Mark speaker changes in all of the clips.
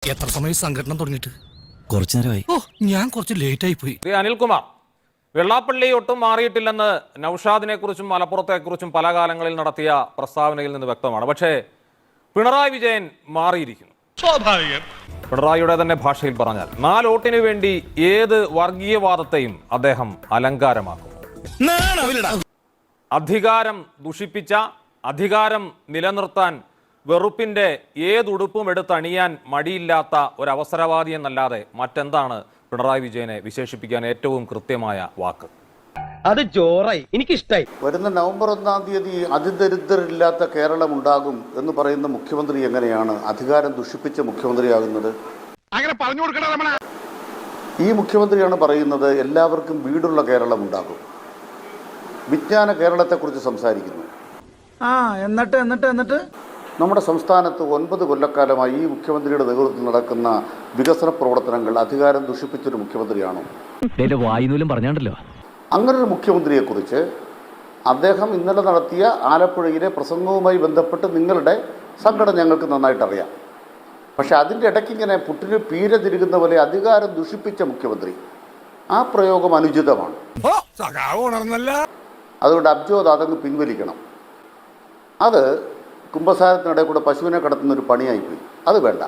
Speaker 1: എത്ര സമയം സംഘടന തുടങ്ങിയിട്ട്?
Speaker 2: കുറച്ചു നേരമായി.
Speaker 1: ഞാൻ കുറച്ച് ലേറ്റ് ആയി പോയി.
Speaker 3: അനിൽകുമാർ, വെള്ളാപ്പള്ളി ഒട്ടും മാറിയിട്ടില്ലെന്ന് നൌഷാദിനെ കുറിച്ചും മലപ്പുറത്തെക്കുറിച്ചും പല കാലങ്ങളിൽ നടത്തിയ പ്രസ്താവനയിൽ നിന്ന് വ്യക്തമാണ്. പക്ഷേ പിണറായി വിജയൻ മാറിയിരിക്കുന്നു.
Speaker 1: സ്വാഭാവികം.
Speaker 3: പിണറായിയുടെ തന്നെ ഭാഷയിൽ പറഞ്ഞാൽ 4 വോട്ടിന് വേണ്ടി ഏത് വർഗീയവാദത്തെയും അദ്ദേഹം അലങ്കാരമാക്കുന്നു. അധികാരം ദുഷിപ്പിച്ച, അധികാരം നിലനിർത്താൻ വെറുപ്പിന്റെ ഏതുടുപ്പും എടുത്തണിയാൻ മടിയില്ലാത്ത ഒരു അവസരവാദി എന്നല്ലാതെ മറ്റെന്താണ് പിണറായി വിജയനെ വിശേഷിപ്പിക്കാൻ ഏറ്റവും കൃത്യമായ വാക്ക്?
Speaker 4: അത് ജോറായി, എനിക്കിഷ്ടായി.
Speaker 5: വരുന്ന നവംബർ 1-ാം തീയതി അതിദരിദ്രരില്ലാത്ത കേരളം ഉണ്ടാകും എന്ന് പറയുന്ന മുഖ്യമന്ത്രി എങ്ങനെയാണ് അധികാരം ദുഷിപ്പിച്ച മുഖ്യമന്ത്രിയാകുന്നത്?
Speaker 1: അങ്ങനെ പറഞ്ഞു കൊടുക്കണ.
Speaker 5: ഈ മുഖ്യമന്ത്രിയാണ് പറയുന്നത് എല്ലാവർക്കും വീടുള്ള കേരളം ഉണ്ടാകും. വിജ്ഞാന കേരളത്തെക്കുറിച്ച് സംസാരിക്കുന്നു.
Speaker 4: എന്നിട്ട്
Speaker 5: നമ്മുടെ സംസ്ഥാനത്ത് 9 കൊല്ലക്കാലമായി ഈ മുഖ്യമന്ത്രിയുടെ നേതൃത്വത്തിൽ നടക്കുന്ന വികസന പ്രവർത്തനങ്ങൾ അധികാരം ദുഷിപ്പിച്ചൊരു മുഖ്യമന്ത്രിയാണോ?
Speaker 2: വായുനൂലും പറഞ്ഞാണ്ടല്ലോ.
Speaker 5: അങ്ങനൊരു മുഖ്യമന്ത്രിയെക്കുറിച്ച് അദ്ദേഹം ഇന്നലെ നടത്തിയ ആലപ്പുഴയിലെ പ്രസംഗവുമായി ബന്ധപ്പെട്ട് നിങ്ങളുടെ സങ്കടം ഞങ്ങൾക്ക് നന്നായിട്ട് അറിയാം. പക്ഷെ അതിൻ്റെ ഇടയ്ക്ക് ഇങ്ങനെ പുട്ടിന് പീര തിരുകുന്ന പോലെ അധികാരം ദുഷിപ്പിച്ച മുഖ്യമന്ത്രി, ആ പ്രയോഗം അനുചിതമാണ്. അതുകൊണ്ട് അബ്ജോദ് അതങ്ങ് പിൻവലിക്കണം. അത് കുംഭസാരത്തിനിടെ കൂടെ പശുവിനെ കടത്തുന്ന ഒരു പണിയായിപ്പോയി. അത് വേണ്ട.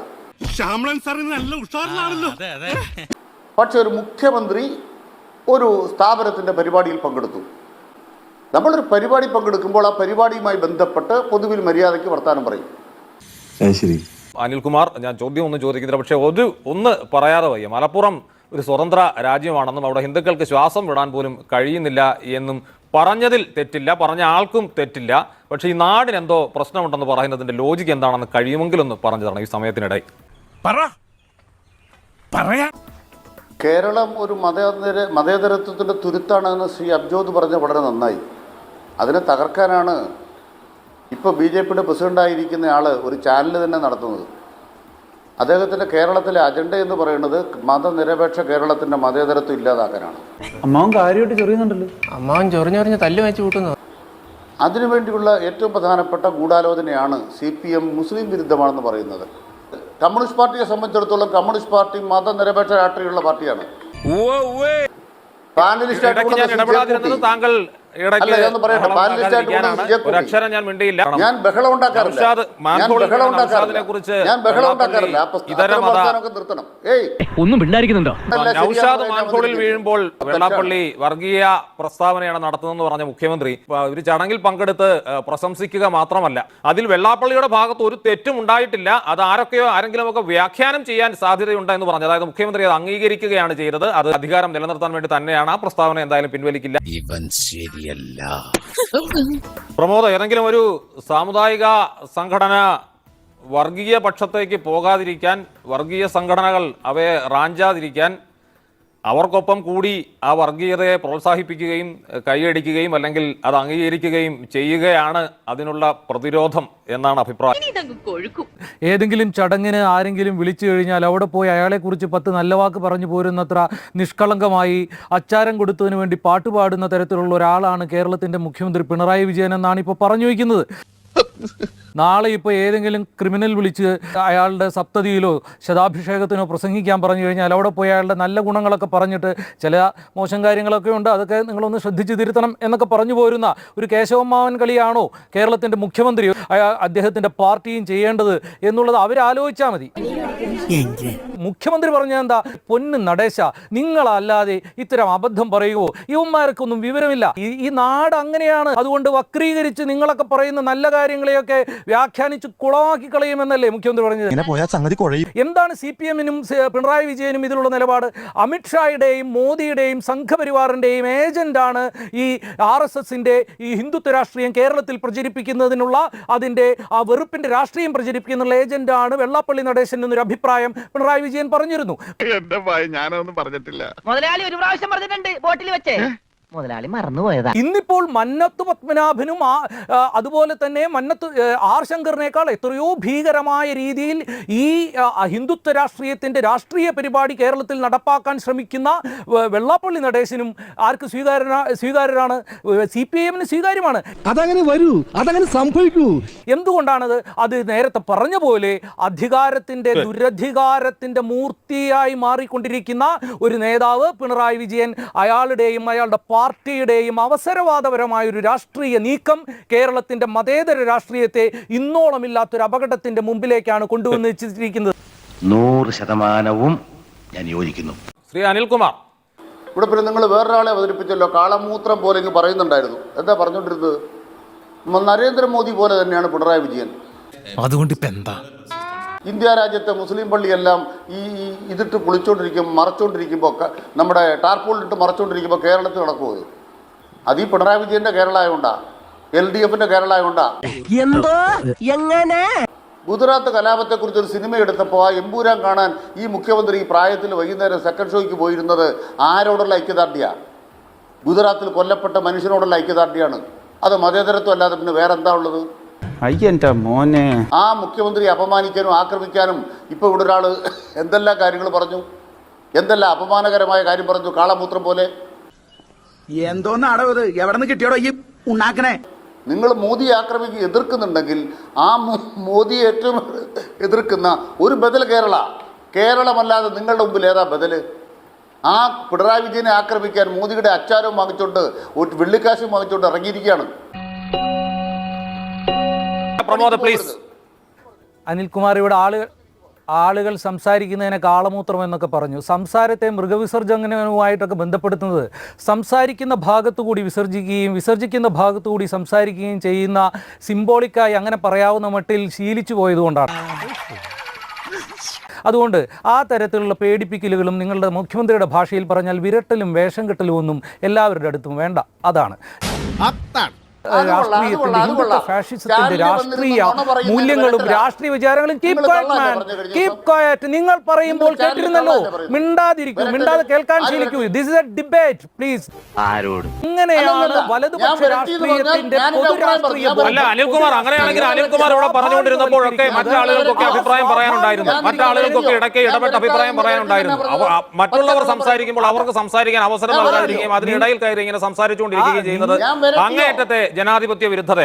Speaker 5: പക്ഷെ ഒരു മുഖ്യമന്ത്രി ഒരു സ്ഥാപനത്തിൻ്റെ പരിപാടിയിൽ പങ്കെടുത്തു. നമ്മളൊരു പരിപാടി പങ്കെടുക്കുമ്പോൾ ആ പരിപാടിയുമായി ബന്ധപ്പെട്ട് പൊതുവിൽ മര്യാദയ്ക്ക് വർത്താനം പറയും.
Speaker 3: അനിൽകുമാർ, ഞാൻ ചോദ്യം ഒന്നും ചോദിക്കുന്നില്ല, പക്ഷേ ഒന്ന് പറയാതെ വയ്യ. മലപ്പുറം ഒരു സ്വതന്ത്ര രാജ്യമാണെന്നും അവിടെ ഹിന്ദുക്കൾക്ക് ശ്വാസം വിടാൻ പോലും കഴിയുന്നില്ല എന്നും പറഞ്ഞതിൽ തെറ്റില്ല, പറഞ്ഞ ആൾക്കും തെറ്റില്ല. പക്ഷേ ഈ നാടിന് എന്തോ പ്രശ്നമുണ്ടെന്ന് പറയുന്നതിന്റെ ലോജിക്ക് എന്താണെന്ന് കഴിയുമെങ്കിലൊന്ന് പറഞ്ഞു തരണം ഈ സമയത്തിനിടെ.
Speaker 5: കേരളം ഒരു മതേതരത്വത്തിൻ്റെ തുരുത്താണെന്ന് ശ്രീ അബ്ജോദ് പറഞ്ഞ വളരെ നന്നായി. അതിനെ തകർക്കാനാണ് ഇപ്പോൾ BJPയുടെ പ്രസിഡൻ്റായിരിക്കുന്ന ആൾ ഒരു ചാനൽ തന്നെ നടത്തുന്നത്. അദ്ദേഹത്തിൻ്റെ കേരളത്തിലെ അജണ്ട എന്ന് പറയുന്നത് മതനിരപേക്ഷ കേരളത്തിൻ്റെ മതേതരത്വം ഇല്ലാതാക്കാനാണ്.
Speaker 4: അമ്മാവൻ കാര്യമായിട്ട് ചൊറിയുന്നുണ്ടല്ലോ.
Speaker 6: അമ്മാവൻ ചൊറിഞ്ഞൊറിഞ്ഞ് തല്ലു വെച്ച് കൂട്ടുന്നു.
Speaker 5: അതിനുവേണ്ടിയുള്ള ഏറ്റവും പ്രധാനപ്പെട്ട ഗൂഢാലോചനയാണ് CPM മുസ്ലിം വിരുദ്ധമാണെന്ന് പറയുന്നത്. കമ്മ്യൂണിസ്റ്റ് പാർട്ടിയെ സംബന്ധിച്ചിടത്തോളം കമ്മ്യൂണിസ്റ്റ് പാർട്ടി മതനിരപേക്ഷ രാഷ്ട്രീയമുള്ള പാർട്ടിയാണ്.
Speaker 3: താങ്കൾ
Speaker 5: ഞാൻ ബഹളം ഉണ്ടാക്കാറില്ല.
Speaker 2: ഒന്നും മിണ്ടായിരിക്കുന്നുണ്ടോ?
Speaker 3: നൗഷാദ് മാൻഹോളിൽ വീഴുമ്പോൾ വെള്ളാപ്പള്ളി വർഗീയ പ്രസ്താവനയാണ് നടത്തുന്നതെന്ന് പറഞ്ഞ മുഖ്യമന്ത്രി ഒരു ചടങ്ങിൽ പങ്കെടുത്ത് പ്രശംസിക്കുക മാത്രമല്ല, അതിൽ വെള്ളാപ്പള്ളിയുടെ ഭാഗത്ത് ഒരു തെറ്റും ഉണ്ടായിട്ടില്ല, അത് ആരെങ്കിലും ഒക്കെ വ്യാഖ്യാനം ചെയ്യാൻ സാധ്യതയുണ്ട് എന്ന് പറഞ്ഞു. അതായത് മുഖ്യമന്ത്രി അത് അംഗീകരിക്കുകയാണ് ചെയ്തത്. അത് അധികാരം നിലനിർത്താൻ വേണ്ടി തന്നെയാണ്. ആ പ്രസ്താവന എന്തായാലും പിൻവലിക്കില്ല. പ്രമോദ്, ഏതെങ്കിലും ഒരു സാമുദായിക സംഘടന വർഗീയ പക്ഷത്തേക്ക് പോകാതിരിക്കാൻ, വർഗീയ സംഘടനകൾ അവയെ റാഞ്ചാതിരിക്കാൻ അവർക്കൊപ്പം കൂടി ആ വർഗീയതയെ പ്രോത്സാഹിപ്പിക്കുകയും കൈയടിക്കുകയും അല്ലെങ്കിൽ അത് അംഗീകരിക്കുകയും ചെയ്യുകയാണ് അതിനുള്ള പ്രതിരോധം എന്നാണ് അഭിപ്രായം.
Speaker 7: ഏതെങ്കിലും ചടങ്ങിന് ആരെങ്കിലും വിളിച്ചു കഴിഞ്ഞാൽ അവിടെ പോയി അയാളെക്കുറിച്ച് 10 നല്ല വാക്ക് പറഞ്ഞു പോരുന്നത്ര നിഷ്കളങ്കമായി അച്ചാരം കൊടുത്തതിന് വേണ്ടി പാട്ടുപാടുന്ന തരത്തിലുള്ള ഒരാളാണ് കേരളത്തിൻ്റെ മുഖ്യമന്ത്രി പിണറായി വിജയൻ എന്നാണ് ഇപ്പോൾ പറഞ്ഞു വയ്ക്കുന്നത്. നാളെ ഇപ്പോൾ ഏതെങ്കിലും ക്രിമിനൽ വിളിച്ച് അയാളുടെ സപ്തതിയിലോ ശതാഭിഷേകത്തിനോ പ്രസംഗിക്കാൻ പറഞ്ഞു കഴിഞ്ഞാൽ അവിടെ പോയി അയാളുടെ നല്ല ഗുണങ്ങളൊക്കെ പറഞ്ഞിട്ട് ചില മോശം കാര്യങ്ങളൊക്കെ ഉണ്ട്, അതൊക്കെ നിങ്ങളൊന്ന് ശ്രദ്ധിച്ച് തിരുത്തണം എന്നൊക്കെ പറഞ്ഞു പോരുന്ന ഒരു കേശവമാവൻ കളിയാണോ കേരളത്തിൻ്റെ മുഖ്യമന്ത്രി അദ്ദേഹത്തിൻ്റെ പാർട്ടിയും ചെയ്യേണ്ടത് എന്നുള്ളത് അവരാലോചിച്ചാൽ മതി. മുഖ്യമന്ത്രി പറഞ്ഞാൽ എന്താ? പൊന്ന് നടേശ, നിങ്ങളല്ലാതെ ഇത്തരം അബദ്ധം പറയുമോ? യുവന്മാർക്കൊന്നും വിവരമില്ല. ഈ നാട് അങ്ങനെയാണ്. അതുകൊണ്ട് വക്രീകരിച്ച് നിങ്ങളൊക്കെ പറയുന്ന നല്ല കാര്യങ്ങളെയൊക്കെ വ്യാഖ്യാനിച്ച് കുളമാക്കി കളയുമെന്നല്ലേ മുഖ്യമന്ത്രി പറഞ്ഞത്? എന്താണ് CPM-നും പിണറായി വിജയനും ഇതിലുള്ള നിലപാട്? അമിത്ഷായുടെയും മോദിയുടെയും സംഘപരിവാറിൻ്റെയും ഏജന്റാണ് ഈ RSSന്റെ ഈ ഹിന്ദുത്വ രാഷ്ട്രീയം കേരളത്തിൽ പ്രചരിപ്പിക്കുന്നതിനുള്ള, അതിൻ്റെ ആ വെറുപ്പിന്റെ രാഷ്ട്രീയം പ്രചരിപ്പിക്കുന്ന ഏജന്റാണ് വെള്ളാപ്പള്ളി നടേശൻ എന്നൊരു അഭിപ്രായം പിണറായി വിജയൻ പറഞ്ഞിരുന്നു.
Speaker 1: ഞാനൊന്നും പറഞ്ഞിട്ടില്ല.
Speaker 6: മുതലാളി ഒരു പ്രാവശ്യം പറഞ്ഞിട്ടുണ്ട് ബോട്ടിൽ വെച്ച്.
Speaker 8: മുതലാളി മറന്നുപോയതാ.
Speaker 7: ഇന്നിപ്പോൾ മന്നത്ത് പത്മനാഭനും അതുപോലെ തന്നെ ആർ ശങ്കറിനേക്കാൾ എത്രയോ ഭീകരമായ രീതിയിൽ ഈ ഹിന്ദുത്വ രാഷ്ട്രീയത്തിന്റെ രാഷ്ട്രീയ പരിപാടി കേരളത്തിൽ നടപ്പാക്കാൻ ശ്രമിക്കുന്ന വെള്ളാപ്പള്ളി നടേശനും ആർക്ക് സ്വീകാര്യരാണ്? CPIM സ്വീകാര്യമാണ്.
Speaker 1: അതങ്ങനെ വരൂ, അതങ്ങനെ സംഭവിക്കൂ.
Speaker 7: എന്തുകൊണ്ടാണത്? അത് നേരത്തെ പറഞ്ഞ പോലെ അധികാരത്തിന്റെ ദുരധികാരത്തിന്റെ മൂർത്തിയായി മാറിക്കൊണ്ടിരിക്കുന്ന ഒരു നേതാവ് പിണറായി വിജയൻ, അയാളുടെയും അയാളുടെ പാർട്ടിയുടെയും അവസരവാദപരമായ ഒരു രാഷ്ട്രീയ നീക്കം കേരളത്തിന്റെ മതേതര രാഷ്ട്രീയത്തെ ഇന്നോളമില്ലാത്തൊരു അപകടത്തിന്റെ മുമ്പിലേക്കാണ് കൊണ്ടുവന്ന് വെച്ചിരിക്കുന്നത്.
Speaker 9: 100% ഞാൻ യോജിക്കുന്നു.
Speaker 3: ശ്രീ അനിൽകുമാർ,
Speaker 5: ഇവിടെ പിന്നെ നിങ്ങൾ വേറൊരാളെ അവതരിപ്പിച്ചല്ലോ, കാളമൂത്രം പോലെ ഇങ്ങ് പറയുന്നുണ്ടായിരുന്നു. എന്താ പറഞ്ഞുകൊണ്ടിരുന്നത്? നരേന്ദ്രമോദി പോലെ തന്നെയാണ് പിണറായി വിജയൻ.
Speaker 1: അതുകൊണ്ട് ഇപ്പൊ എന്താ?
Speaker 5: ഇന്ത്യ രാജ്യത്തെ മുസ്ലിം പള്ളിയെല്ലാം ഈ ഇതിട്ട് മറച്ചുകൊണ്ടിരിക്കുമ്പോൾ, നമ്മുടെ ടാർപോളിട്ട് മറച്ചുകൊണ്ടിരിക്കുമ്പോൾ കേരളത്തിൽ നടക്കുമോ? അത് ഈ പിണറായി വിജയന്റെ കേരള ആയതുകൊണ്ടാ, LDFന്റെ കേരള ആയതുകൊണ്ടാ.
Speaker 8: എന്തോ എങ്ങനെ
Speaker 5: ഗുജറാത്ത് കലാപത്തെക്കുറിച്ച് ഒരു സിനിമ എടുത്തപ്പോൾ ആ എമ്പൂരാൻ കാണാൻ ഈ മുഖ്യമന്ത്രി ഈ പ്രായത്തിൽ വൈകുന്നേരം സെക്കൻഡ് ഷോയ്ക്ക് പോയിരുന്നത് ആരോടുള്ള ഐക്യദാർഢ്യമാണ്? ഗുജറാത്തിൽ കൊല്ലപ്പെട്ട മനുഷ്യനോടുള്ള ഐക്യദാർഢ്യമാണ്. അത് മതേതരത്വം അല്ലാതെ പിന്നെ വേറെന്താ ഉള്ളത്?
Speaker 4: അയ്യന്റെ മോനെ,
Speaker 5: ആ മുഖ്യമന്ത്രി അപമാനിക്കാനും ആക്രമിക്കാനും ഇപ്പൊ ഇവിടെ ഒരാൾ എന്തെല്ലാം കാര്യങ്ങൾ പറഞ്ഞു, എന്തെല്ലാം അപമാനകരമായ കാര്യം പറഞ്ഞു, കാളമൂത്രം പോലെ.
Speaker 4: എന്തോന്നാടോ ഇത്? എവിടെ നിന്ന് കിട്ടിയോടോ ഈ ഉണ്ടാക്കണേ?
Speaker 5: നിങ്ങൾ മോദിയെ എതിർക്കുന്നുണ്ടെങ്കിൽ ആ മോദിയെ ഏറ്റവും എതിർക്കുന്ന ഒരു ബദൽ കേരളമല്ലാതെ നിങ്ങളുടെ മുമ്പിൽ ഏതാ ബദല്? ആ പിണറായി വിജയനെ ആക്രമിക്കാൻ മോദിയുടെ അച്ചാരവും വാങ്ങിച്ചോണ്ട് ഒരു വെള്ളിക്കാശും വാങ്ങിച്ചോണ്ട് ഇറങ്ങിയിരിക്കുകയാണ്.
Speaker 7: അനിൽകുമാർ, ഇവിടെ ആളുകൾ സംസാരിക്കുന്നതിനെ കാളമൂത്രം എന്നൊക്കെ പറഞ്ഞു. സംസാരത്തെ മൃഗവിസർജനവുമായിട്ടൊക്കെ ബന്ധപ്പെടുത്തുന്നത് സംസാരിക്കുന്ന ഭാഗത്തുകൂടി വിസർജിക്കുകയും വിസർജിക്കുന്ന ഭാഗത്തുകൂടി സംസാരിക്കുകയും ചെയ്യുന്ന സിംബോളിക്കായി അങ്ങനെ പറയാവുന്ന മട്ടിൽ ശീലിച്ചു പോയതുകൊണ്ടാണ്. അതുകൊണ്ട് ആ തരത്തിലുള്ള പേടിപ്പിക്കലുകളും നിങ്ങളുടെ മുഖ്യമന്ത്രിയുടെ ഭാഷയിൽ പറഞ്ഞാൽ വിരട്ടലും വേഷം കെട്ടലും ഒന്നും എല്ലാവരുടെ അടുത്തും വേണ്ട. അതാണ് രാഷ്ട്രീയത്തിന്റെ, ഹിന്ദുത്വ ഫാഷിസത്തിന്റെ രാഷ്ട്രീയ മൂല്യങ്ങളും രാഷ്ട്രീയ വിചാരങ്ങളും. Keep quiet. നിങ്ങൾ പറയുമ്പോൾ കേട്ടിരുന്നല്ലോ, മിണ്ടാതെ കേൾക്കാൻ ശീലിക്കൂ. This is a debate please. ഇങ്ങനെയാണ് വലതുപക്ഷ രാഷ്ട്രീയത്തിന്റെ പൊതു രാഷ്ട്രീയ.
Speaker 3: അല്ല അനിൽകുമാർ, അങ്ങനെയാണെങ്കിൽ അനിൽകുമാർ ഇവിടെ പറഞ്ഞുകൊണ്ടിരുന്നപ്പോഴൊക്കെ മറ്റാളുകൾക്കൊക്കെ അഭിപ്രായം പറയാനുണ്ടായിരുന്നു. മറ്റാളുകൾക്കൊക്കെ ഇടയ്ക്ക് ഇടപെട്ട് അഭിപ്രായം പറയാനുണ്ടായിരുന്നു. മറ്റുള്ളവർ സംസാരിക്കുമ്പോൾ അവർക്ക് സംസാരിക്കാൻ അവസരം നൽകാതിരിക്കുകയും അതിനിടയിൽ കയറി ഇങ്ങനെ സംസാരിച്ചുകൊണ്ടിരിക്കുകയും ചെയ്യുന്നത് അങ്ങേയറ്റത്തെ ജനാധിപത്യ വിരുദ്ധത.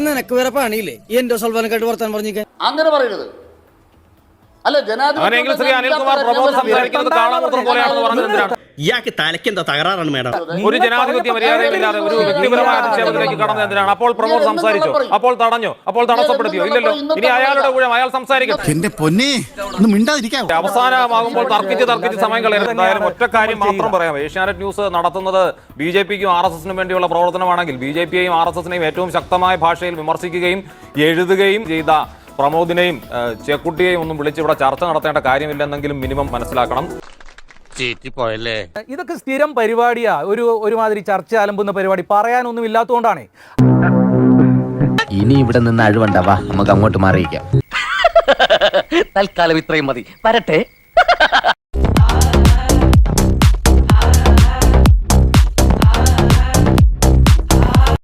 Speaker 5: അങ്ങനെ പറയരുത്. അല്ല,
Speaker 3: അങ്ങനെയെങ്കിൽ ശ്രീ അനിൽകുമാർ പ്രമോദ് സംസാരിക്കുന്നത് കാളമൂത്രം പോലെയാണെന്ന് പറഞ്ഞത് എന്തിനാണ്?
Speaker 9: ഇയാൾക്ക് തലയ്ക്കെന്താ തകരാറാണ് മേഡം?
Speaker 3: ഒരു ജനാധിപത്യ മര്യാദയില്ലാതെ ഒരു വ്യക്തിപരമായ അധിക്ഷേപത്തിലേക്ക് കടന്നത് എന്തിനാണ്? അപ്പോൾ പ്രമോദ് സംസാരിച്ചോ? അപ്പോൾ തടഞ്ഞോ? അപ്പോൾ തടസ്സപ്പെടുത്തിയോ? ഇല്ലല്ലോ. ഇനി അയാളുടെ കൂടെ അയാൾ സംസാരിക്കട്ടെ.
Speaker 1: എന്റെ പൊന്നെ, ഒന്ന് മിണ്ടാതിരിക്കാം.
Speaker 3: അവസാനമാകുമ്പോൾ തർക്കിച്ച് സമയം കളയരുത്. എന്തായാലും ഒറ്റ കാര്യം മാത്രം പറയാം. ഏഷ്യാനെറ്റ് ന്യൂസ് നടത്തുന്നത് BJPക്കും RSSനും വേണ്ടിയുള്ള പ്രവർത്തനമാണെങ്കിൽ BJPയെയും RSSനെയും ഏറ്റവും ശക്തമായ ഭാഷയിൽ വിമർശിക്കുകയും എഴുതുകയും ചെയ്ത പ്രമോദിനെയും ചെക്കുട്ടിയെയും ഒന്നും വിളിച്ച് ഇവിടെ ചർച്ച നടത്തേണ്ട കാര്യമില്ലെന്നെങ്കിലും മിനിമം മനസ്സിലാക്കണം.
Speaker 7: ഇതൊക്കെ സ്ഥിരം പരിപാടിയാ. ഒരുമാതിരി ചർച്ച അലമ്പുന്ന പരിപാടി പറയാനൊന്നും ഇല്ലാത്തതുകൊണ്ടാണ്.
Speaker 2: ഇനി ഇവിടെ നിന്ന് അഴിവണ്ടാവാ, നമുക്ക് അങ്ങോട്ട് മാറിയിക്കാം.
Speaker 8: തൽക്കാലം ഇത്രയും മതി. വരട്ടെ.